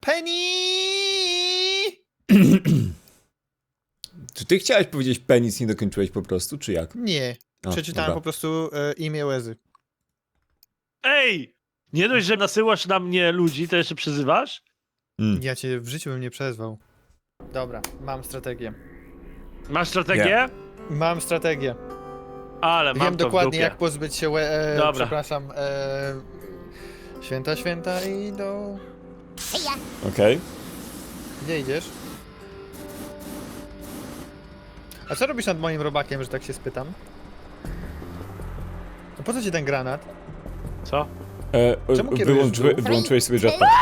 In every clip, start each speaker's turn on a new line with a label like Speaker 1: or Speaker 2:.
Speaker 1: Penny!
Speaker 2: Czy ty chciałeś powiedzieć penis, nie dokończyłeś po prostu, czy jak?
Speaker 1: Nie.
Speaker 2: A,
Speaker 1: Przeczytałem
Speaker 2: dobra.
Speaker 1: po prostu imię Łezy.
Speaker 3: Ej! Nie dość, że nasyłasz na mnie ludzi, to jeszcze przyzywasz?
Speaker 1: Ja cię w życiu bym nie przezwał. Dobra, mam strategię.
Speaker 3: Masz strategię?
Speaker 2: Nie.
Speaker 1: Mam strategię.
Speaker 3: Ale mam
Speaker 1: Wiem
Speaker 3: to w
Speaker 1: dokładnie,
Speaker 3: dupie.
Speaker 1: jak pozbyć się
Speaker 3: Dobra.
Speaker 1: przepraszam, święta idą.
Speaker 2: Okej.
Speaker 1: Gdzie idziesz? A co robisz nad moim robakiem, że tak się spytam? A po co ci ten granat?
Speaker 3: Co?
Speaker 1: Czemu kierujesz w dół?
Speaker 2: Wyłączyłeś sobie jetpack.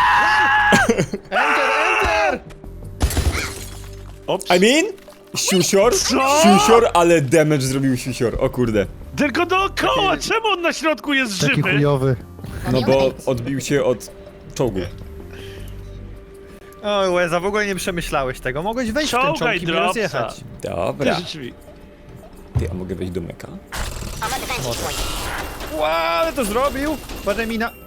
Speaker 1: Enter!
Speaker 3: Ops.
Speaker 2: I mean? Siusior?
Speaker 3: Co?
Speaker 2: Siusior, ale damage zrobił siusior, o kurde.
Speaker 3: Tylko dookoła! Czemu on na środku jest żywy?
Speaker 1: chujowy.
Speaker 2: No bo odbił się od czołgu.
Speaker 1: Oj, Łeza, w ogóle nie przemyślałeś tego. Mogłeś wejść w ten
Speaker 3: Czołgaj
Speaker 1: czołg i mnie
Speaker 3: dropsa.
Speaker 1: rozjechać.
Speaker 2: Dobra.
Speaker 3: Ty drzwi.
Speaker 2: Ty, a mogę wejść do meka?
Speaker 1: Ła, ale to zrobił! Patrzę mi na...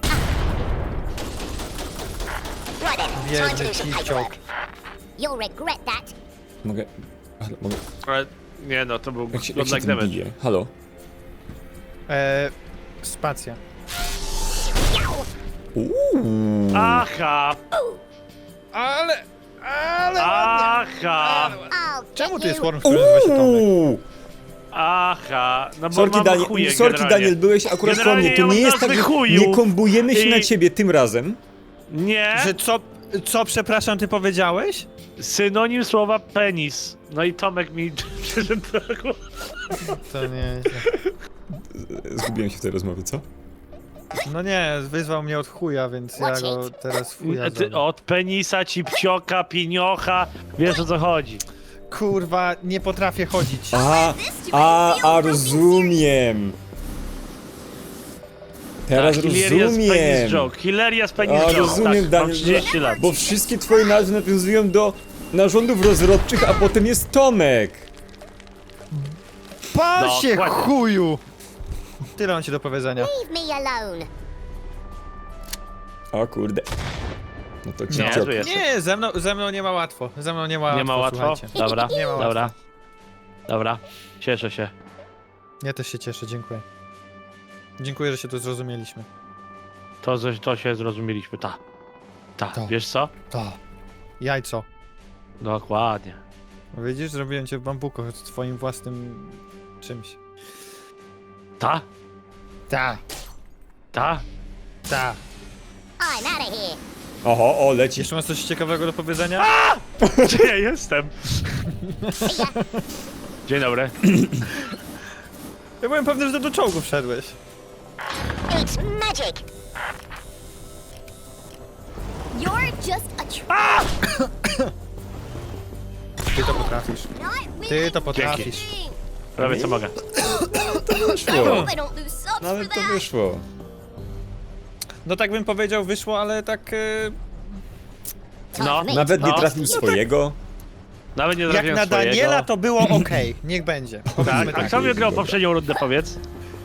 Speaker 1: Biedny kiciok.
Speaker 4: You'll regret that.
Speaker 2: Mogę... Halo, mogę...
Speaker 3: Ale nie no, to był
Speaker 2: Jak się
Speaker 3: godlike
Speaker 2: tym
Speaker 3: damage.
Speaker 2: bije? Halo?
Speaker 1: Spacja.
Speaker 2: Uuu.
Speaker 3: Aha!
Speaker 1: Ale...
Speaker 3: Aha!
Speaker 4: I'll
Speaker 1: Czemu
Speaker 4: get
Speaker 1: tu jest
Speaker 4: you.
Speaker 1: worm, który nazywa się Tomek?
Speaker 2: Uuu.
Speaker 3: Aha! No bo
Speaker 2: Sorki,
Speaker 3: mam chuje
Speaker 2: Sorki
Speaker 3: generalnie.
Speaker 2: Daniel, byłeś akurat po
Speaker 3: Generalnie
Speaker 2: mnie. To
Speaker 3: ja
Speaker 2: nie
Speaker 3: mam
Speaker 2: jest tak,
Speaker 3: nazwy
Speaker 2: że
Speaker 3: chujów
Speaker 2: nie kombujemy się
Speaker 3: i-
Speaker 2: na ciebie tym razem.
Speaker 3: Nie!
Speaker 1: Że co, przepraszam, ty powiedziałeś?
Speaker 3: Synonim słowa penis. No i Tomek mi prezentował.
Speaker 1: To nie...
Speaker 2: Zgubiłem się w tej rozmowie, co?
Speaker 1: No nie, wyzwał mnie od chuja, więc ja go teraz w chuja
Speaker 3: Ty,
Speaker 1: zrobię.
Speaker 3: od penisa, cipcioka, piniocha. Wiesz o co chodzi.
Speaker 1: Kurwa, nie potrafię chodzić.
Speaker 2: Rozumiem. Teraz
Speaker 3: Hilarious penis
Speaker 2: rozumiem.
Speaker 3: joke. Hilarious penis
Speaker 2: A,
Speaker 3: joke.
Speaker 2: rozumiem,
Speaker 3: tak, mam
Speaker 2: Daniel,
Speaker 3: 30 lat.
Speaker 2: Bo wszystkie twoje nazwy nawiązują do narządów rozrodczych, a potem jest Tomek.
Speaker 1: Pal
Speaker 3: No,
Speaker 1: się,
Speaker 3: dokładnie.
Speaker 1: chuju! Tyle mam ci do powiedzenia.
Speaker 4: Leave me alone.
Speaker 2: O kurde. No to
Speaker 3: Nie,
Speaker 2: cipciok.
Speaker 3: tu jest.
Speaker 1: Nie, ze mną nie ma łatwo. Ze mną nie ma łatwo,
Speaker 3: Nie ma łatwo?
Speaker 1: słuchajcie.
Speaker 3: Dobra,
Speaker 1: Nie ma
Speaker 3: dobra.
Speaker 1: łatwo.
Speaker 3: Dobra, cieszę się.
Speaker 1: Ja też się cieszę, dziękuję. Dziękuję, że się tu zrozumieliśmy.
Speaker 3: To się zrozumieliśmy, ta.
Speaker 1: Ta.
Speaker 3: Wiesz co?
Speaker 1: To. Jajco.
Speaker 3: Dokładnie.
Speaker 1: Widzisz, zrobiłem cię w bambuko z twoim własnym czymś.
Speaker 3: Ta?
Speaker 1: Ta,
Speaker 3: Ta?
Speaker 1: ta.
Speaker 4: I'm out of here.
Speaker 2: Oho, o, leci.
Speaker 1: Jeszcze masz coś ciekawego do powiedzenia?
Speaker 3: Gdzie ja jestem? Dzień dobry.
Speaker 1: Ja byłem pewny, że do czołgu wszedłeś.
Speaker 4: It's magic. You're just a
Speaker 1: Ty to potrafisz. Ty to potrafisz.
Speaker 3: Prawie co mogę.
Speaker 2: Wyszło.
Speaker 4: I don't lose subs for
Speaker 2: Nawet to
Speaker 4: that.
Speaker 2: wyszło.
Speaker 1: No tak bym powiedział, wyszło, ale tak...
Speaker 3: No,
Speaker 2: Nawet nie
Speaker 3: No.
Speaker 2: trafił swojego.
Speaker 3: nawet nie
Speaker 1: jak
Speaker 3: trafiłem
Speaker 1: na
Speaker 3: swojego.
Speaker 1: Daniela to było okej. Niech będzie. Powiedzmy
Speaker 3: Tak, a
Speaker 1: tak.
Speaker 3: kto wygrał poprzednią rundę, powiedz?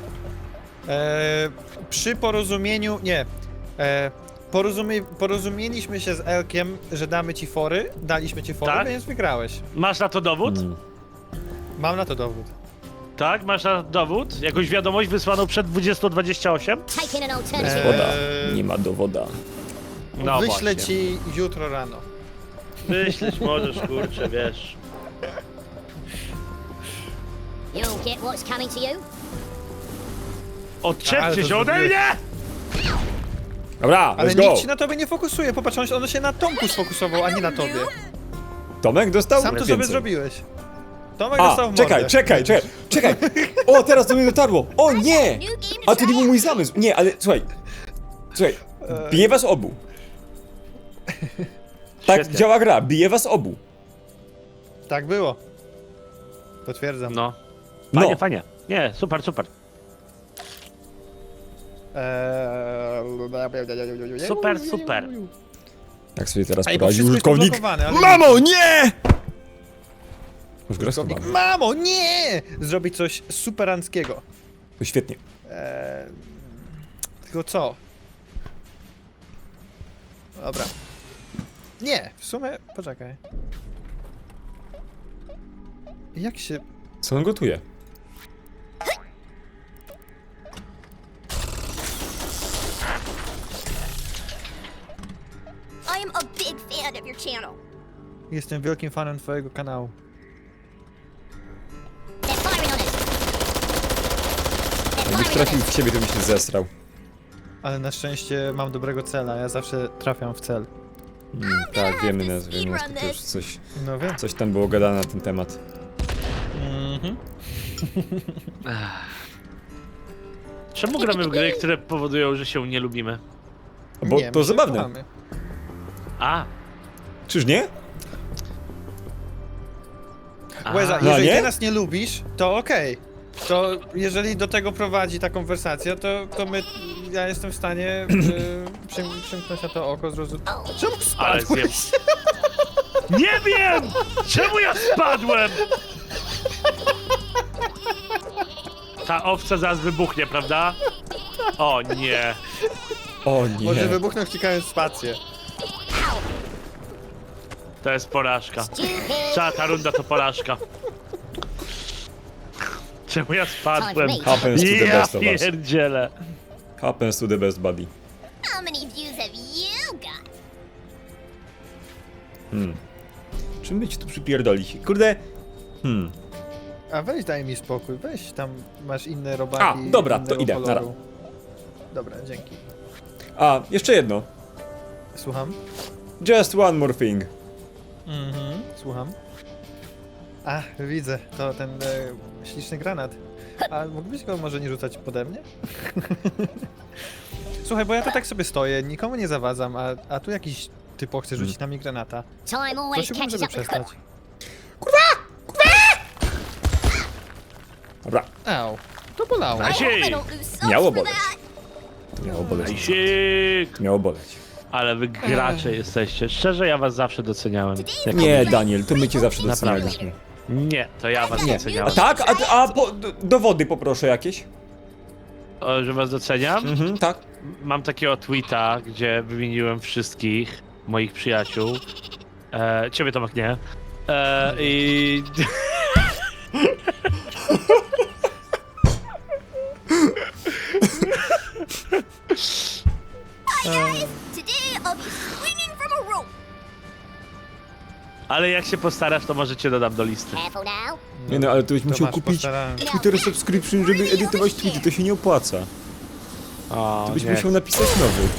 Speaker 1: Przy porozumieniu... Nie. Porozumieliśmy się z Elkiem, że damy ci fory. Daliśmy ci fory,
Speaker 3: Tak?
Speaker 1: więc wygrałeś.
Speaker 3: Masz na to dowód?
Speaker 1: Mam na to dowód.
Speaker 3: Tak? Masz na dowód? Jakąś wiadomość wysłaną przed 20:28?
Speaker 4: Taking an alternative.
Speaker 2: Woda.
Speaker 1: Eee,
Speaker 2: Nie ma dowoda.
Speaker 3: No
Speaker 1: Wyślę
Speaker 3: właśnie.
Speaker 1: ci jutro rano.
Speaker 3: Myśleć możesz, kurczę, wiesz.
Speaker 4: You'll get what's coming to you.
Speaker 1: Ale
Speaker 3: Odczepcie
Speaker 1: to
Speaker 3: się ode
Speaker 1: zrobiłeś.
Speaker 3: mnie!
Speaker 2: Dobra,
Speaker 1: Ale
Speaker 2: let's go.
Speaker 1: nikt się na tobie nie fokusuje. Popatrz, on się na Tomku sfokusował, a nie na tobie.
Speaker 2: Tomek dostał
Speaker 1: Sam to
Speaker 2: więcej.
Speaker 1: sobie zrobiłeś. Tomek
Speaker 2: A,
Speaker 1: dostał w mordę.
Speaker 2: czekaj. O, teraz do mnie dotarło. O nie! A to nie był mój zamysł. Nie, ale słuchaj. Bije was obu. Tak
Speaker 3: Świetnie.
Speaker 2: działa gra, bije was obu.
Speaker 1: Tak było. Potwierdzam.
Speaker 3: No.
Speaker 2: No.
Speaker 3: Fajnie, fajnie. Nie, super, super. Super, super.
Speaker 2: Tak sobie teraz
Speaker 1: Ej, bo
Speaker 2: poradził
Speaker 1: wszystko jest
Speaker 2: użytkownik.
Speaker 1: poblokowane, ale...
Speaker 2: Mamo, nie! Już gra
Speaker 1: Użytkownik,
Speaker 2: schowana.
Speaker 1: mamo, nie! Zrobić coś superanckiego.
Speaker 2: To świetnie.
Speaker 1: Tylko co? Dobra. Nie, w sumie... Poczekaj. Jak się...
Speaker 2: Co on gotuje?
Speaker 4: I am a big fan of your channel.
Speaker 1: Jestem wielkim fanem twojego kanału.
Speaker 4: They're firing on us. They're
Speaker 2: Jakbyś
Speaker 4: firing on
Speaker 2: trafił
Speaker 4: us.
Speaker 2: w ciebie, to byś się zesrał.
Speaker 1: Ale na szczęście mam dobrego cela, ja zawsze trafiam w cel.
Speaker 2: Tak, wiemy nas, to już
Speaker 1: No wiem.
Speaker 2: coś tam było gadane na ten temat.
Speaker 3: Czemu gramy w gry, które powodują, że się nie lubimy?
Speaker 2: Bo
Speaker 1: Nie,
Speaker 2: to
Speaker 1: my się
Speaker 2: zabawne.
Speaker 1: kochamy.
Speaker 3: A,
Speaker 2: Czyż nie?
Speaker 1: Łeza,
Speaker 2: No,
Speaker 1: jeżeli
Speaker 2: nie?
Speaker 1: ty nas nie lubisz, to okej. To jeżeli do tego prowadzi ta konwersacja, to ja jestem w stanie przymknąć na to oko, zrozumieć. Czemu
Speaker 3: ale
Speaker 1: spadłeś?
Speaker 3: zjem. Nie wiem! Czemu ja spadłem? Ta owca zaraz wybuchnie, prawda? O nie.
Speaker 2: O nie.
Speaker 1: Może wybuchnął wciekając w spację.
Speaker 3: To jest porażka.
Speaker 4: Stupid.
Speaker 3: Cała ta runda to porażka. Czemu ja spadłem?
Speaker 2: Happens to the
Speaker 3: Ja
Speaker 2: best of us.
Speaker 3: pierdzielę.
Speaker 2: Happens to the best buddy.
Speaker 4: How many views have you got?
Speaker 2: Czym by ci tu przypierdolić? Kurde.
Speaker 1: A weź daj mi spokój, weź tam masz inne robaki.
Speaker 2: A, dobra,
Speaker 1: innego
Speaker 2: to idę,
Speaker 1: koloru.
Speaker 2: nara.
Speaker 1: Dobra, dzięki.
Speaker 2: A, jeszcze jedno.
Speaker 1: Słucham?
Speaker 2: Just one more thing.
Speaker 1: Słucham. A, widzę, to ten śliczny granat. A mógłbyś go może nie rzucać pode mnie? Słuchaj, bo ja tu tak sobie stoję, nikomu nie zawadzam, a tu jakiś typo chce rzucić na mnie granata.
Speaker 4: Time always
Speaker 1: Prosiłbym,
Speaker 4: catches
Speaker 1: żeby
Speaker 4: up with
Speaker 1: przestać.
Speaker 2: Dobra,
Speaker 1: Au, to bolało.
Speaker 4: I hope I
Speaker 3: Asiej!
Speaker 4: don't lose subs
Speaker 2: Miało
Speaker 4: for
Speaker 2: boleć.
Speaker 4: that.
Speaker 2: miało boleć.
Speaker 3: Isik!
Speaker 2: Miało boleć.
Speaker 3: Ale wy gracze jesteście. Szczerze, ja was zawsze doceniałem. Jako-
Speaker 2: Nie, Daniel, to my cię zawsze
Speaker 3: Naprawdę.
Speaker 2: docenialiśmy.
Speaker 3: Nie, to ja was
Speaker 2: Nie.
Speaker 3: doceniałem.
Speaker 2: A tak? Dowody poproszę jakieś?
Speaker 3: O, że was doceniam?
Speaker 2: Tak.
Speaker 3: Mam takiego tweeta, gdzie wymieniłem wszystkich moich przyjaciół. Ciebie Tomek nie. I...
Speaker 4: Today I'll be swinging from a rope.
Speaker 3: Ale jak się postarasz, to może cię dodam do listy.
Speaker 4: Careful now.
Speaker 2: Nie no, ale to byś
Speaker 1: To
Speaker 2: musiał
Speaker 1: masz,
Speaker 2: kupić
Speaker 1: postarałem.
Speaker 2: Twitter subscription, żeby edytować tweety, to się nie opłaca.
Speaker 3: O,
Speaker 2: To byś
Speaker 3: nie.
Speaker 2: musiał napisać nowy.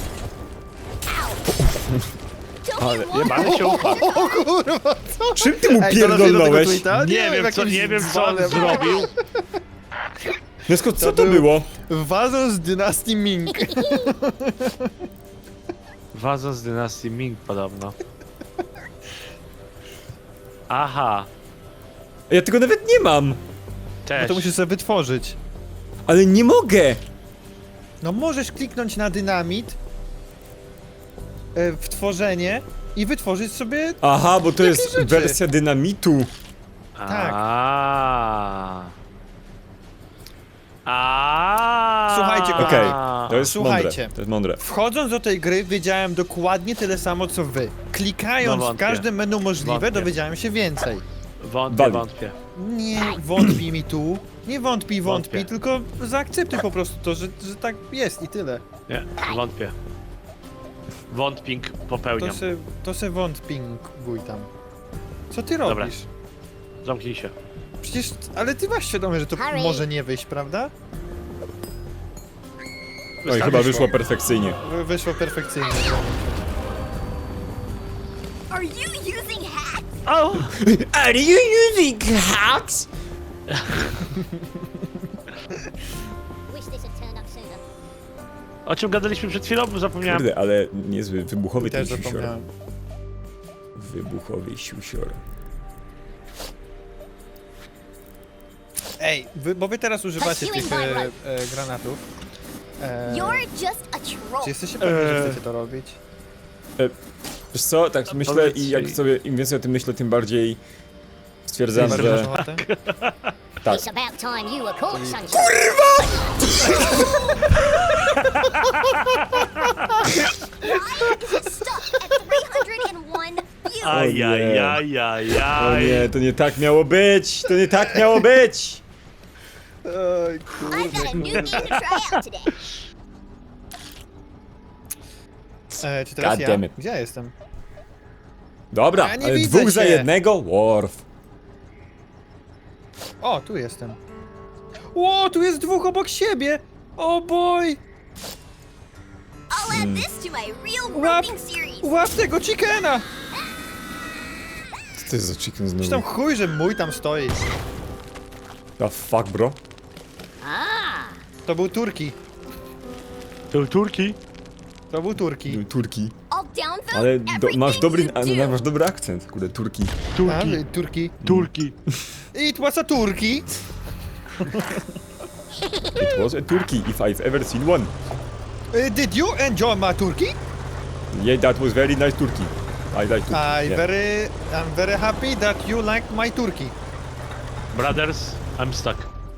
Speaker 4: Don't
Speaker 2: Ale
Speaker 4: you want
Speaker 3: Ale się upadł.
Speaker 1: O kurwa, co?
Speaker 2: Czym ty mu
Speaker 1: Ej, donoszę do tego
Speaker 2: pierdolnąłeś?
Speaker 1: tweeta?
Speaker 3: Nie wiem,
Speaker 1: jakimś
Speaker 3: nie wiem co on
Speaker 1: dzwonem.
Speaker 3: zrobił.
Speaker 2: Nesko, co
Speaker 1: To
Speaker 2: to
Speaker 1: był-
Speaker 2: było?
Speaker 1: Wazon z dynastii Ming.
Speaker 3: Waza z dynastii Ming podobno. Aha,
Speaker 2: Ja tego nawet nie mam.
Speaker 1: No
Speaker 3: też.
Speaker 1: to musisz sobie wytworzyć.
Speaker 2: Ale nie mogę.
Speaker 1: No możesz kliknąć na dynamit w tworzenie i wytworzyć sobie...
Speaker 2: Aha, bo to
Speaker 1: Jakie
Speaker 2: jest
Speaker 1: rzeczy?
Speaker 2: wersja dynamitu.
Speaker 1: Tak. Słuchajcie,
Speaker 2: Okej,
Speaker 3: kochani.
Speaker 2: to jest
Speaker 1: Słuchajcie.
Speaker 2: mądre. To jest mądre.
Speaker 1: Wchodząc do tej gry wiedziałem dokładnie tyle samo co wy. Klikając
Speaker 3: No
Speaker 1: w
Speaker 3: wątpię.
Speaker 1: każde menu możliwe
Speaker 3: Wątpię.
Speaker 1: dowiedziałem się więcej.
Speaker 3: Wątpię,
Speaker 2: Wali.
Speaker 3: wątpię.
Speaker 1: Nie wątpij mi tu. Nie wątpij,
Speaker 3: Wątpię.
Speaker 1: tylko zaakceptuj po prostu to, że tak jest i tyle.
Speaker 3: Nie, wątpię. Wątping popełniam.
Speaker 1: To se wątpinguj tam. Co ty
Speaker 3: Dobra.
Speaker 1: robisz?
Speaker 3: Zamknij się.
Speaker 1: Przecież, ale ty masz świadomość, że to
Speaker 4: Harry.
Speaker 1: może nie wyjść, prawda?
Speaker 2: Oj, chyba wyszło perfekcyjnie.
Speaker 1: Wyszło perfekcyjnie.
Speaker 4: Are you using hacks?
Speaker 3: O!
Speaker 2: Are you using hacks?
Speaker 4: Wish this had turned up sooner.
Speaker 3: O czym gadaliśmy przed chwilą? Bo zapomniałem.
Speaker 2: Kurde, ale niezły, wybuchowy ten
Speaker 1: Też
Speaker 2: siusior.
Speaker 1: zapomniałem.
Speaker 2: Wybuchowy siusior.
Speaker 1: Ej, bo wy teraz używacie tych granatów.
Speaker 4: You're just a troll.
Speaker 1: Czy jesteście pewni, że chcecie to robić?
Speaker 2: Wiesz co, tak myślę
Speaker 3: powiedz
Speaker 2: i jak
Speaker 3: jej.
Speaker 2: sobie, im więcej o tym myślę, tym bardziej stwierdzam,
Speaker 1: Bardzo
Speaker 2: że
Speaker 1: masz ochotę?
Speaker 2: tak.
Speaker 4: It's about time you were caught, sunshine. Why is it stuck at 301 you.
Speaker 2: O nie. O
Speaker 3: Ajajajajaj.
Speaker 2: nie, to nie tak miało być! To nie tak miało być!
Speaker 1: Oj,
Speaker 4: I've got a new game to try out today.
Speaker 1: Czy teraz
Speaker 2: God
Speaker 1: ja?
Speaker 2: damn it.
Speaker 1: Gdzie ja jestem?
Speaker 2: Dobra,
Speaker 1: Ja nie
Speaker 2: ale
Speaker 1: widzę
Speaker 2: dwóch za
Speaker 1: cię.
Speaker 2: jednego? Worf.
Speaker 1: O, tu jestem. O, tu jest dwóch obok siebie! O boy!
Speaker 4: I'll add this to my real
Speaker 1: Łap,
Speaker 4: roping series.
Speaker 1: łap tego chickena!
Speaker 2: Co to jest za chicken
Speaker 1: Czy tam
Speaker 2: znowu?
Speaker 1: chuj, że mój tam stoi.
Speaker 2: The fuck, bro?
Speaker 1: To był Turki.
Speaker 3: To Turki?
Speaker 1: To był Turki.
Speaker 2: Turki.
Speaker 4: I'll downvote
Speaker 2: Ale masz
Speaker 4: everything you do.
Speaker 2: masz dobry akcent, kurde, Turki.
Speaker 3: Turki.
Speaker 1: Turki.
Speaker 3: Turki.
Speaker 1: It was a Turki.
Speaker 2: It was a Turkey, if I've ever seen one.
Speaker 1: Did you enjoy my Turkey?
Speaker 2: Yeah, that was very nice Turkey. I like Turkey. Yeah.
Speaker 1: I'm very happy that you like my Turkey.
Speaker 3: Brothers, I'm stuck.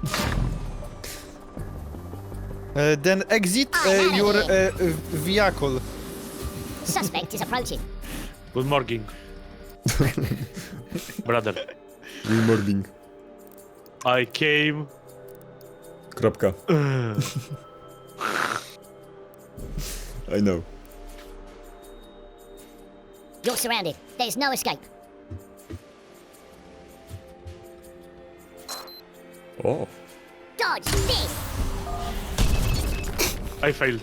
Speaker 1: Then exit your vehicle.
Speaker 5: Suspect is approaching.
Speaker 3: Good morning. Brother,
Speaker 2: Good morning.
Speaker 3: I came.
Speaker 2: Kropka. I know.
Speaker 5: You're surrounded. There's no escape.
Speaker 2: O.
Speaker 5: Dodge this.
Speaker 3: I failed.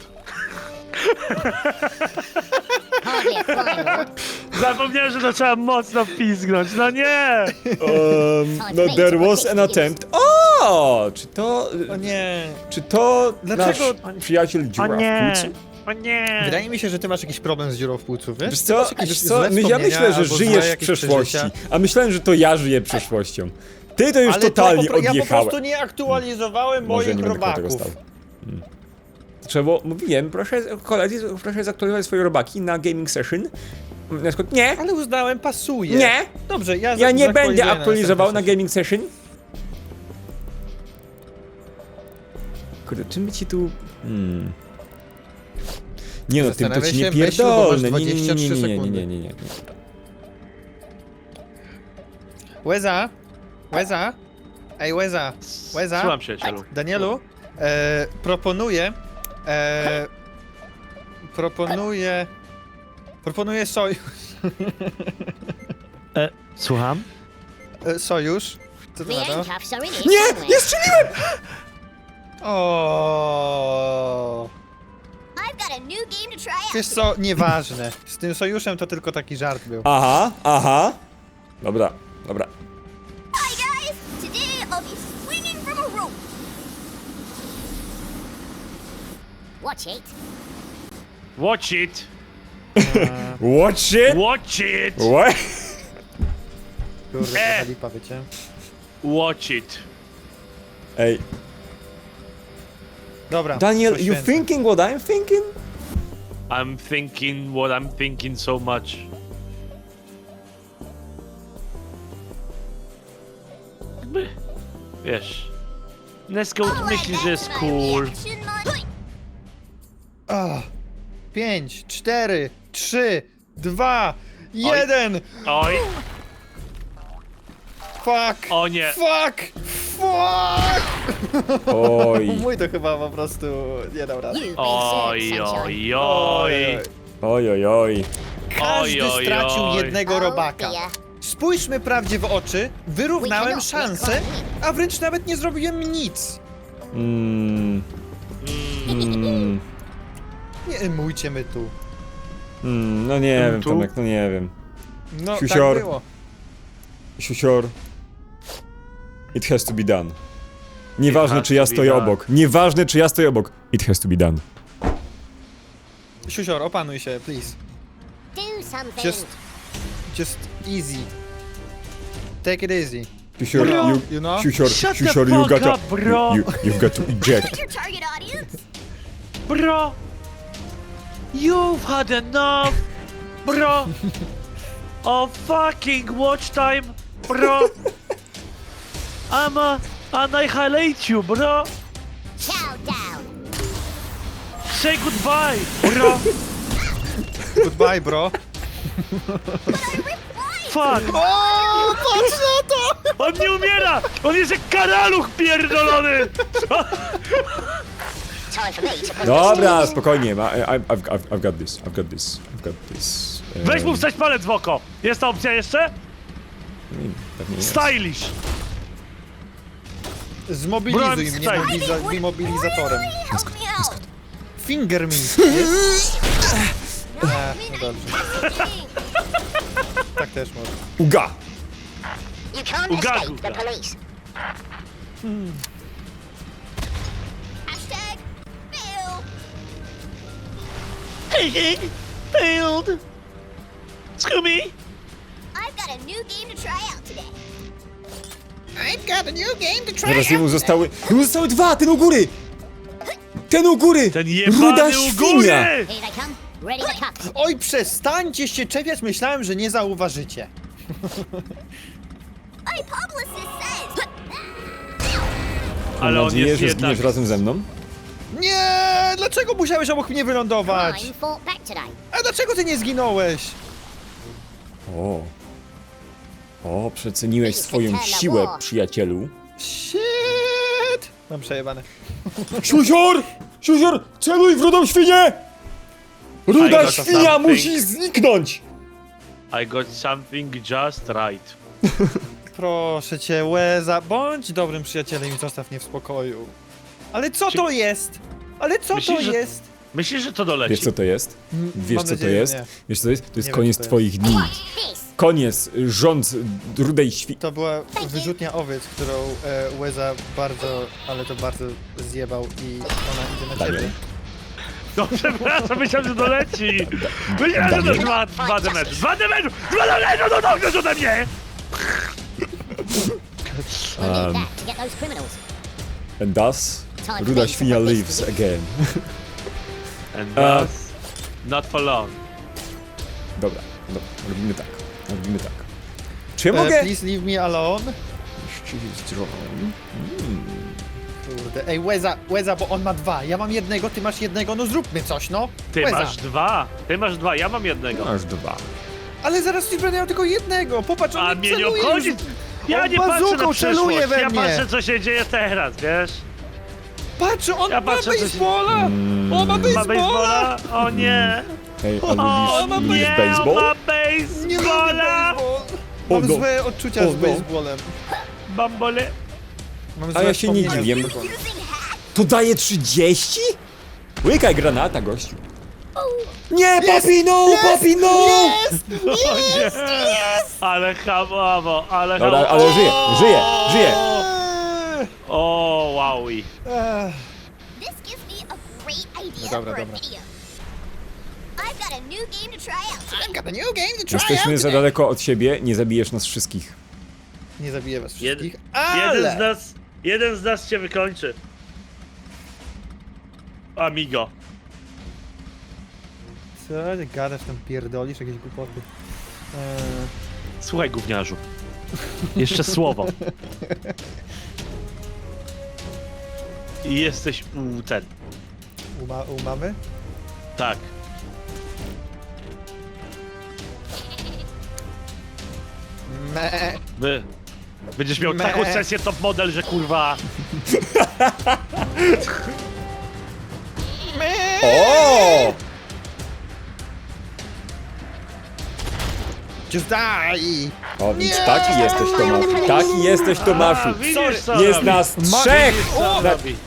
Speaker 5: Hardly a flying lord.
Speaker 3: Zapomniałem, że to trzeba mocno pizgnąć. No nie!
Speaker 2: No there was an attempt. O! Czy to...
Speaker 1: O nie.
Speaker 2: Czy to
Speaker 1: Dlaczego-
Speaker 2: nasz przyjaciel dziura w płucu?
Speaker 3: O nie!
Speaker 1: Wydaje mi się, że ty masz jakiś problem z dziurą w płucu, wiesz?
Speaker 2: Wiesz
Speaker 1: Ty
Speaker 2: co,
Speaker 1: masz jakieś
Speaker 2: wiesz co?
Speaker 1: złe
Speaker 2: Ja
Speaker 1: wspomnienia
Speaker 2: myślę, że
Speaker 1: albo złe
Speaker 2: żyjesz w
Speaker 1: jakieś
Speaker 2: przeszłości,
Speaker 1: przeżycia.
Speaker 2: a myślałem, że to ja żyję przeszłością. Ty to już
Speaker 1: Ale
Speaker 2: totalnie
Speaker 1: ja po
Speaker 2: odjechałem.
Speaker 1: prostu nie aktualizowałem
Speaker 2: Może
Speaker 1: moich
Speaker 2: nie będę koło tego
Speaker 1: robaków.
Speaker 2: stał. Trzeba było, mówiłem, proszę koledzy, proszę zaktualizować swoje robaki na gaming session. Na przykład, nie,
Speaker 1: Ale uznałem, pasuje.
Speaker 2: nie,
Speaker 1: Dobrze, ja
Speaker 2: ja nie będę
Speaker 1: zaktualizuję
Speaker 2: aktualizował na
Speaker 1: następny
Speaker 2: gaming session. Kurde, czym by ci tu... Nie no, tym to
Speaker 1: Zastanawiaj
Speaker 2: ci nie
Speaker 1: się, myśl, bo masz
Speaker 2: pierdolę, nie,
Speaker 1: 23 sekundy.
Speaker 2: nie.
Speaker 1: Łeza? Łeza? Ej, Łeza? Łeza?
Speaker 3: Słucham, przyjacielu.
Speaker 1: Danielu, proponuję sojusz.
Speaker 3: Słucham?
Speaker 1: Sojusz. Co
Speaker 5: The
Speaker 1: to na to?
Speaker 5: handcuffs are in here
Speaker 2: Nie,
Speaker 5: somewhere.
Speaker 2: nie strzeliłem!
Speaker 1: O.
Speaker 4: I've got a new game to try out.
Speaker 1: Wiesz co, nieważne. Z tym sojuszem to tylko taki żart był.
Speaker 2: Aha. Dobra.
Speaker 4: Hi guys! Today I'll be swinging from a rope.
Speaker 5: Watch it.
Speaker 3: Watch it!
Speaker 2: Watch it!
Speaker 3: Watch it!
Speaker 2: What?
Speaker 1: Kurde, to lipa, wiecie?
Speaker 3: Watch it!
Speaker 2: Ej,
Speaker 1: Dobra.
Speaker 2: Daniel, you
Speaker 1: poświęcę.
Speaker 2: thinking what I'm thinking?
Speaker 3: I'm thinking what I'm thinking so much. Jakby, wiesz, Nesgoat
Speaker 4: I'll add
Speaker 3: myśli,
Speaker 4: that
Speaker 3: że jest
Speaker 4: to my
Speaker 3: cool.
Speaker 4: reaction mod.
Speaker 1: 5, 4, 3, 2, 1!
Speaker 3: Oj,
Speaker 1: Fuck!
Speaker 3: o nie!
Speaker 1: Fuck! Fuck!
Speaker 2: Oj,
Speaker 1: Mój to chyba po prostu nie dał rady.
Speaker 5: You've been
Speaker 3: Oj,
Speaker 5: served, sunshine.
Speaker 3: oj, oj!
Speaker 2: oj.
Speaker 1: Każdy
Speaker 3: Oj, oj,
Speaker 1: stracił
Speaker 3: oj.
Speaker 1: jednego
Speaker 5: Oh,
Speaker 1: robaka.
Speaker 5: dear.
Speaker 1: Spójrzmy prawdzie w oczy, wyrównałem szanse, a wręcz nawet nie zrobiłem nic. Nie emujcie my tu.
Speaker 2: No nie wiem,
Speaker 3: Tu?
Speaker 2: Tomek, no nie wiem.
Speaker 1: No,
Speaker 2: Siusior.
Speaker 1: tak było.
Speaker 2: Siusior. It has to be done. Nieważne,
Speaker 3: has
Speaker 2: czy ja
Speaker 3: to be
Speaker 2: stoję
Speaker 3: done.
Speaker 2: obok. Nieważne, czy ja stoję obok. It has to be done.
Speaker 1: Siusior, opanuj się, please.
Speaker 5: Do something.
Speaker 1: Just easy. Take it easy.
Speaker 2: Siusior,
Speaker 3: Bro.
Speaker 1: You know?
Speaker 2: Siusior,
Speaker 3: Shut the
Speaker 2: Siusior, you
Speaker 3: fuck
Speaker 2: gotta...
Speaker 3: up, bro.
Speaker 2: You've got to eject.
Speaker 4: Your target audience?
Speaker 3: Bro! You've had enough! Bro! Of fucking watch time! Bro! I'ma annihilate you, bro!
Speaker 5: Chow down.
Speaker 3: Say goodbye, bro!
Speaker 1: Goodbye, bro.
Speaker 4: But I ripped
Speaker 3: Fuck!
Speaker 1: O, patrz na to!
Speaker 3: On nie umiera! On jest jak karaluch pierdolony!
Speaker 5: Time for me to put
Speaker 2: Dobra, spokojnie, I've got this, I've got this, I've got this.
Speaker 3: Weź mu wstać palec w oko! Jest ta opcja jeszcze?
Speaker 2: Pewnie jest.
Speaker 3: Stylish!
Speaker 1: Zmobilizuj
Speaker 3: Broń
Speaker 1: mnie
Speaker 3: staj.
Speaker 1: immobilizatorem.
Speaker 4: Help me out.
Speaker 1: Finger me. No dobrze. Tak też może.
Speaker 2: Uga!
Speaker 5: You can't
Speaker 3: Ugagu,
Speaker 5: escape the
Speaker 3: uga.
Speaker 5: police.
Speaker 4: Hashtag fail.
Speaker 3: Failed! Scooby!
Speaker 4: I've got a new game to try out today.
Speaker 1: I've got a new game to try
Speaker 2: Teraz jemu zostały dwa, ten u góry! Ten u góry!
Speaker 3: Ten
Speaker 2: Ruda
Speaker 3: jebany u
Speaker 2: świnia!
Speaker 3: góry!
Speaker 5: Here they come. Ready to cut.
Speaker 1: Oj, przestańcie się czepiać, myślałem, że nie zauważycie.
Speaker 4: My publicist says.
Speaker 2: Mam
Speaker 3: Ale on
Speaker 2: nadzieję,
Speaker 3: jest
Speaker 2: że
Speaker 3: jednak...
Speaker 2: zginiesz razem ze mną.
Speaker 1: Nie! Dlaczego musiałeś obok mnie wylądować?
Speaker 5: Crime fought back today.
Speaker 1: A dlaczego ty nie zginąłeś?
Speaker 2: O, przeceniłeś swoją siłę, przyjacielu.
Speaker 1: Shit! Mam przejebane.
Speaker 2: Siusior! Siusior! Celuj w rudą świnię! Ruda
Speaker 3: got
Speaker 2: świnia
Speaker 3: something.
Speaker 2: musi zniknąć!
Speaker 3: I got something just right.
Speaker 1: Proszę cię, Łeza, bądź dobrym przyjacielem i zostaw mnie w spokoju. Ale co to jest? Ale co
Speaker 3: Myślisz,
Speaker 1: to
Speaker 3: że-
Speaker 1: jest?
Speaker 3: Myślisz, że to doleci?
Speaker 2: Wiesz co to jest? Wiesz
Speaker 1: Mam
Speaker 2: co to
Speaker 1: nadzieję,
Speaker 2: jest?
Speaker 1: że nie.
Speaker 2: Wiesz co to jest? To jest
Speaker 1: Nie wiem,
Speaker 2: koniec
Speaker 1: co to jest.
Speaker 2: twoich dni.
Speaker 5: This.
Speaker 2: Koniec, rząd rudej świni.
Speaker 1: To była wyrzutnia owiec, którą Łeza bardzo, ale to bardzo zjebał i ona idzie na ciebie.
Speaker 2: Daniel.
Speaker 3: No przepraszam, myślałem, że doleci! Myślałem, że to dwa demetry! Dwa demetry! No dobrze ode mnie!
Speaker 5: We need that to get those criminals.
Speaker 2: And thus, ruda świnia lives again.
Speaker 3: And thus, not for long.
Speaker 2: Dobra, robimy tak. Robimy tak. Czy ja mogę...
Speaker 1: Please leave me alone.
Speaker 2: She's drawn.
Speaker 1: Kurde, ej, Łeza, bo on ma dwa, ja mam jednego, ty masz jednego, no zróbmy coś, no.
Speaker 3: Ty
Speaker 1: Łeza.
Speaker 3: masz dwa, ja mam jednego.
Speaker 2: Masz dwa.
Speaker 1: Ale zaraz ci będę miał tylko jednego, popatrz, on
Speaker 3: A
Speaker 1: mnie
Speaker 3: mnie nie
Speaker 1: celuje
Speaker 3: obchodzi!
Speaker 1: już.
Speaker 3: Ja
Speaker 1: On
Speaker 3: nie patrzę na
Speaker 1: bazuką
Speaker 3: przyszłość,
Speaker 1: celuje we
Speaker 3: ja
Speaker 1: mnie.
Speaker 3: patrzę co się dzieje teraz, wiesz?
Speaker 1: Patrz, on
Speaker 3: Ja
Speaker 1: ma
Speaker 3: patrzę, co się-
Speaker 1: baseballa! On ma
Speaker 3: Ma
Speaker 1: baseballa!
Speaker 3: baseballa? O nie!
Speaker 2: Hey,
Speaker 3: O
Speaker 1: ma
Speaker 2: lubisz
Speaker 3: nie,
Speaker 2: baseball?
Speaker 3: ma
Speaker 1: Nie lubię
Speaker 3: baseballa!
Speaker 1: baseball!
Speaker 2: O
Speaker 1: Mam
Speaker 2: no.
Speaker 1: złe odczucia
Speaker 2: O
Speaker 1: z
Speaker 2: no.
Speaker 1: baseballem.
Speaker 3: Bambole.
Speaker 1: Mam
Speaker 2: A
Speaker 1: złe
Speaker 2: ja się nie
Speaker 1: wspomnienia
Speaker 2: dziwię.
Speaker 1: z baseballem.
Speaker 2: To daje 30? Łykaj granata, gościu. Nie, papi, no! Papi, no!
Speaker 3: O nie! Ale hamowo, ale
Speaker 2: Dobra,
Speaker 3: hamowo.
Speaker 2: ale żyje.
Speaker 3: O, wowi.
Speaker 4: This gives me a great idea
Speaker 1: Dobra,
Speaker 4: for a
Speaker 1: dobra.
Speaker 4: video. I've got a new game to try out today.
Speaker 1: Got a new game to try
Speaker 2: Jesteśmy
Speaker 1: out
Speaker 2: za
Speaker 1: today.
Speaker 2: daleko od siebie, nie zabijesz nas wszystkich.
Speaker 1: Nie zabiję was
Speaker 3: Jed-
Speaker 1: wszystkich,
Speaker 3: jeden z nas cię wykończy. Amigo.
Speaker 1: Co ty gadasz tam, pierdolisz jakieś głupoty?
Speaker 3: Słuchaj, gówniarzu. Jeszcze słowo. I jesteś
Speaker 1: U mamy?
Speaker 3: Tak.
Speaker 1: Me.
Speaker 3: Będziesz miał
Speaker 1: Me.
Speaker 3: taką sesję top model, że kurwa...
Speaker 2: O!
Speaker 1: Just die!
Speaker 2: O, więc taki jesteś, Tomaszu. Taki jesteś, Tomaszu.
Speaker 3: widzisz, co
Speaker 2: Jest
Speaker 3: robi.
Speaker 2: nas trzech!
Speaker 3: Widzisz, co
Speaker 2: Na-
Speaker 3: robi.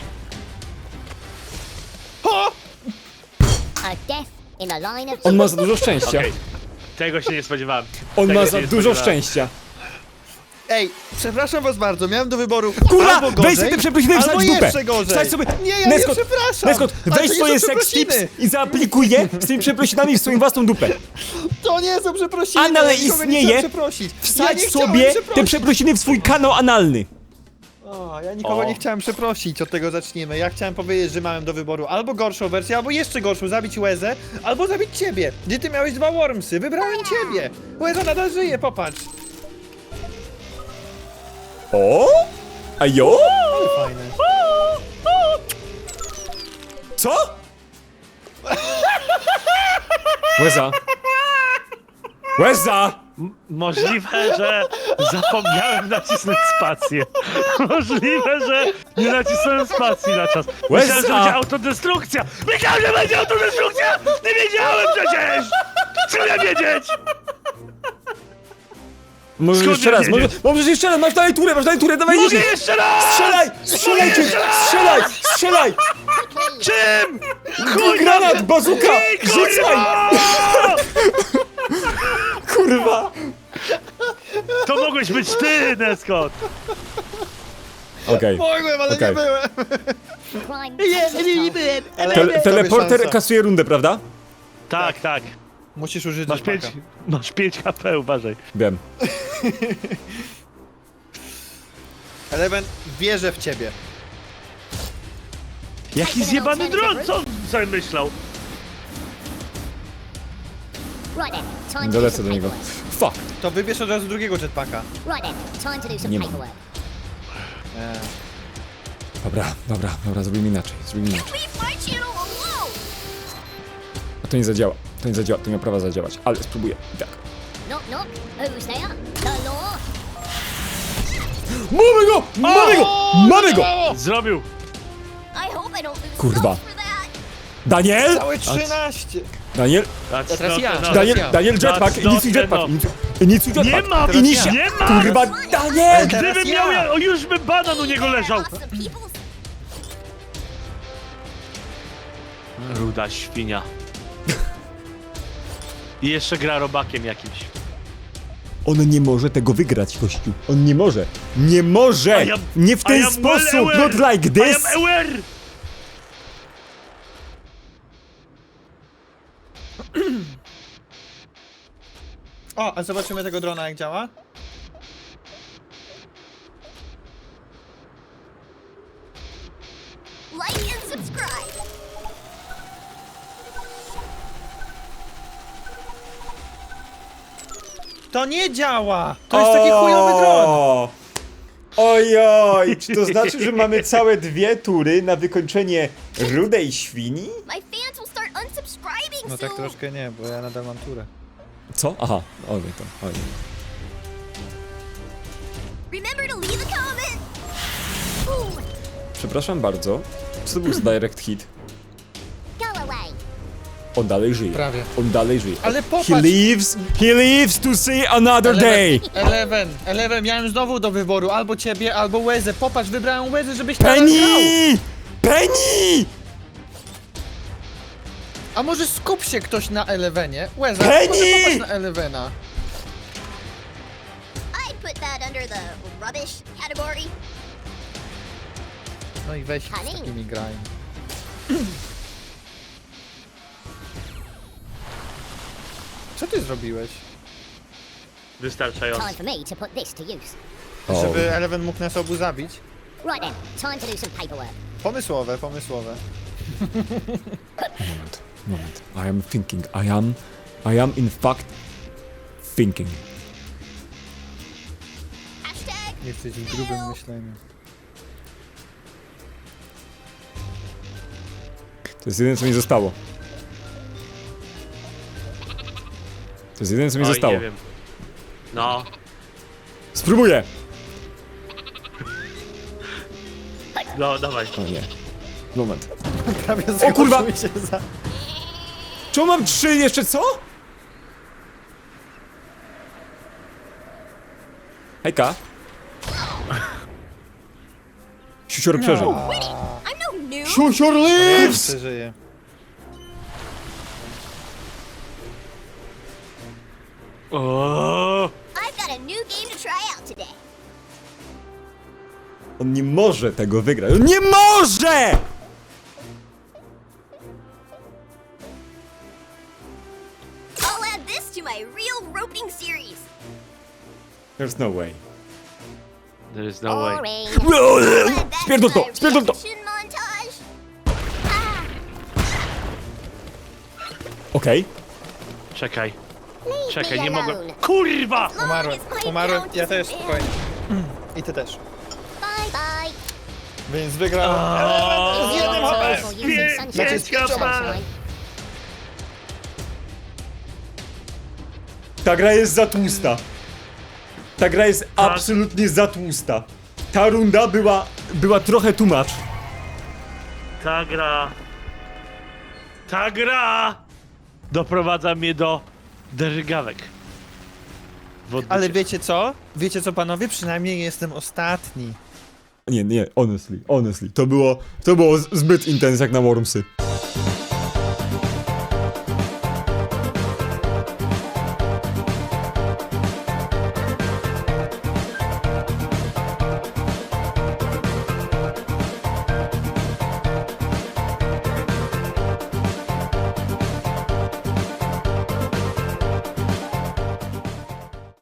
Speaker 1: O!
Speaker 5: A death in the line of
Speaker 2: On ma za dużo szczęścia.
Speaker 3: Okej. Tego się nie spodziewałem.
Speaker 2: On
Speaker 3: Tego
Speaker 2: ma
Speaker 3: się
Speaker 2: za
Speaker 3: nie
Speaker 2: dużo
Speaker 3: spodziewałem.
Speaker 2: szczęścia.
Speaker 1: Ej, przepraszam was bardzo, miałem do wyboru
Speaker 2: Kurwa,
Speaker 1: albo gorzej,
Speaker 2: weź sobie te przeprosiny i
Speaker 1: albo
Speaker 2: wsadź w dupę.
Speaker 1: jeszcze gorzej.
Speaker 2: Wsadź sobie...
Speaker 1: Nie, ja
Speaker 2: Neskot,
Speaker 1: nie przepraszam.
Speaker 2: Neskot,
Speaker 1: Ale to
Speaker 2: weź
Speaker 1: nie
Speaker 2: swoje
Speaker 1: są
Speaker 2: sex tips
Speaker 1: przeprosiny.
Speaker 2: i zaaplikuj je z tymi przeprosinami w swoją własną dupę.
Speaker 1: To nie są przeprosiny,
Speaker 2: Anal
Speaker 1: ja nikogo nie
Speaker 2: istnieje.
Speaker 1: chciałem przeprosić.
Speaker 2: Wsadź
Speaker 1: nie chciałem
Speaker 2: sobie te
Speaker 1: przeprosić.
Speaker 2: przeprosiny w swój kanał analny.
Speaker 1: O, ja nikogo
Speaker 3: O.
Speaker 1: nie chciałem przeprosić, od tego zacznijmy. Ja chciałem powiedzieć, że miałem do wyboru albo gorszą wersję, albo jeszcze gorszą, zabić Łezę, albo zabić ciebie. Gdzie ty miałeś dwa wormsy, wybrałem ciebie. Łeza nadal żyje, popatrz.
Speaker 2: O? A jo?
Speaker 1: Ale fajne.
Speaker 2: Co? Łeza. Łeza!
Speaker 3: Możliwe, że zapomniałem nacisnąć spację. Możliwe, że nie nacisnąłem spacji na czas. Myślałem, że
Speaker 2: Łeza!
Speaker 3: będzie autodestrukcja! Myślałem, że będzie autodestrukcja! Nie wiedziałem przecież! Co ja wiedzieć?
Speaker 2: Możesz
Speaker 3: Skąd
Speaker 2: jeszcze
Speaker 3: ja
Speaker 2: raz,
Speaker 3: wiedzieć?
Speaker 2: możesz jeszcze raz, masz dalej turę, dawaj,
Speaker 3: Mogę
Speaker 2: jedziesz!
Speaker 3: jeszcze raz!
Speaker 2: Strzelaj! Strzelaj, Jim! Strzelaj! Strzelaj!
Speaker 3: Czym?
Speaker 2: Granat, bazuka! Rzucaj! Kurwa!
Speaker 3: To mogłeś być ty, Neskot!
Speaker 2: Okej.
Speaker 1: Mogłem, ale
Speaker 2: Okej.
Speaker 1: nie byłem.
Speaker 5: Crime.
Speaker 1: Nie byłem.
Speaker 2: Teleporter
Speaker 1: szansa.
Speaker 2: kasuje rundę, prawda?
Speaker 3: Tak, tak.
Speaker 1: Musisz użyć
Speaker 3: Masz 5 HP, uważaj.
Speaker 2: Wiem.
Speaker 1: Eleven wierzę w ciebie.
Speaker 3: Jaki zjebany dron, co on sobie myślał?
Speaker 5: Right then, time to do
Speaker 2: Dolecę
Speaker 5: some
Speaker 2: do niego.
Speaker 5: paperwork.
Speaker 2: Fuck!
Speaker 1: To wybierz od razu drugiego jetpacka.
Speaker 5: Right then, time to do some
Speaker 2: Nie mam.
Speaker 5: paperwork.
Speaker 2: Dobra, zrobimy inaczej,
Speaker 4: Leave my channel alone!
Speaker 2: A to nie zadziała, to nie ma prawa zadziałać, ale spróbuję. I tak.
Speaker 5: Knock knock. Who's there? The law.
Speaker 2: Mamy go!
Speaker 3: Zrobił.
Speaker 4: I hope I don't lose
Speaker 2: Kurwa.
Speaker 4: salt for that.
Speaker 2: Daniel!
Speaker 1: Całe 13.
Speaker 2: Daniel!
Speaker 3: That's
Speaker 1: Teraz
Speaker 3: not
Speaker 1: ja.
Speaker 3: enough.
Speaker 2: Daniel, jetpack!
Speaker 3: That's not
Speaker 2: Inicjuj jetpack!
Speaker 3: enough.
Speaker 2: Inicjuj jetpack!
Speaker 3: Nie mam!
Speaker 2: Inicja!
Speaker 3: Nie mam!
Speaker 2: Kurwa, Daniel!
Speaker 1: Teraz
Speaker 3: Gdybym
Speaker 1: ja.
Speaker 3: miał, o już by banan u niego leżał.
Speaker 4: Lost some people's
Speaker 3: Ruda świnia. I jeszcze gra robakiem jakimś.
Speaker 2: On nie może tego wygrać, gościu. On nie może. Nie może! Nie w ten sposób! Not like
Speaker 3: I
Speaker 2: this!
Speaker 3: am aware!
Speaker 1: O, a zobaczymy tego drona jak działa.
Speaker 4: like and subscribe.
Speaker 1: To nie działa! To jest taki chujowy dron!
Speaker 2: Ojoj, czy to znaczy, że mamy całe 2 tury na wykończenie rudej świni?
Speaker 4: My fans will start unsubscribing
Speaker 1: No tak
Speaker 4: soon.
Speaker 1: troszkę nie, bo ja nadal mam turę.
Speaker 2: Co? Aha, ojej to, ojej.
Speaker 4: Remember to leave a comment. Ooh,
Speaker 2: Przepraszam bardzo. Co to był za direct hit?
Speaker 5: Go away.
Speaker 2: On dalej żyje.
Speaker 1: Prawie.
Speaker 2: On dalej żyje.
Speaker 1: Ale popatrz!
Speaker 2: He lives to see another day!
Speaker 1: Eleven, miałem znowu do wyboru albo ciebie, albo Łezę. Popatrz, wybrałem Łezę, żebyś teraz grał.
Speaker 2: Penny! Penny!
Speaker 1: A może skup się ktoś na Elevenie? Łeza,
Speaker 2: Penny!
Speaker 1: może popatrz na Elevena.
Speaker 4: I'd put that under the rubbish category.
Speaker 1: No i weź z
Speaker 5: Honey.
Speaker 1: takimi graj. Co ty zrobiłeś?
Speaker 3: Wystarczająco.
Speaker 5: Time for me to put this to use.
Speaker 2: O.
Speaker 1: Żeby Eleven mógł nas obu zabić?
Speaker 5: Right then, time to do some paperwork.
Speaker 1: Pomysłowe.
Speaker 2: Moment. I am thinking. I am in fact thinking.
Speaker 4: Hashtag
Speaker 1: Jesteś w grubym myśleniu.
Speaker 2: To jest jedyne, co mi zostało. To jest jedyne, co mi
Speaker 3: Oj,
Speaker 2: zostało.
Speaker 3: nie wiem. No.
Speaker 2: Spróbuję!
Speaker 3: No, dawaj.
Speaker 2: O nie. Moment.
Speaker 1: Prawie
Speaker 2: O kurwa!
Speaker 1: zgłosił się za...
Speaker 2: Czemu mam 3 jeszcze co? Hejka. Siusior przeżył.
Speaker 4: I'm no noob.
Speaker 2: Siusior lives!
Speaker 1: Przeżyje.
Speaker 3: O!
Speaker 4: I've got a new game to try out today.
Speaker 2: On nie może tego wygrać. On nie może!
Speaker 4: I'll add this to my real roping series.
Speaker 2: There's no way.
Speaker 3: There is no way.
Speaker 5: Boring.
Speaker 4: I'll add that
Speaker 2: Spierdol to,
Speaker 4: my
Speaker 2: spierdol to!
Speaker 4: reaction montage. Ah,
Speaker 2: Okej.
Speaker 3: Czekaj.
Speaker 5: Leave
Speaker 3: Czekaj,
Speaker 5: me
Speaker 3: nie mogłem.
Speaker 5: alone.
Speaker 3: Kurwa!
Speaker 4: as long
Speaker 1: Umarłem.
Speaker 4: as my
Speaker 1: Umarłem.
Speaker 4: account
Speaker 1: Ja
Speaker 4: is
Speaker 1: też,
Speaker 4: banned.
Speaker 1: spokojnie. I ty też.
Speaker 5: Bye bye.
Speaker 1: Więc wygrał.
Speaker 3: O,
Speaker 1: Z jednym HP.
Speaker 5: For using sunshine.
Speaker 3: Pięć HP.
Speaker 5: Sunshine.
Speaker 2: Ta gra jest za tłusta. Ta gra jest absolutnie za tłusta. Ta runda była trochę too much.
Speaker 3: Ta gra doprowadza mnie do dergawek. w odbycie.
Speaker 1: Ale wiecie co? Wiecie co, panowie? Przynajmniej jestem ostatni.
Speaker 2: Nie, honestly. To było zbyt intens jak na Wormsy.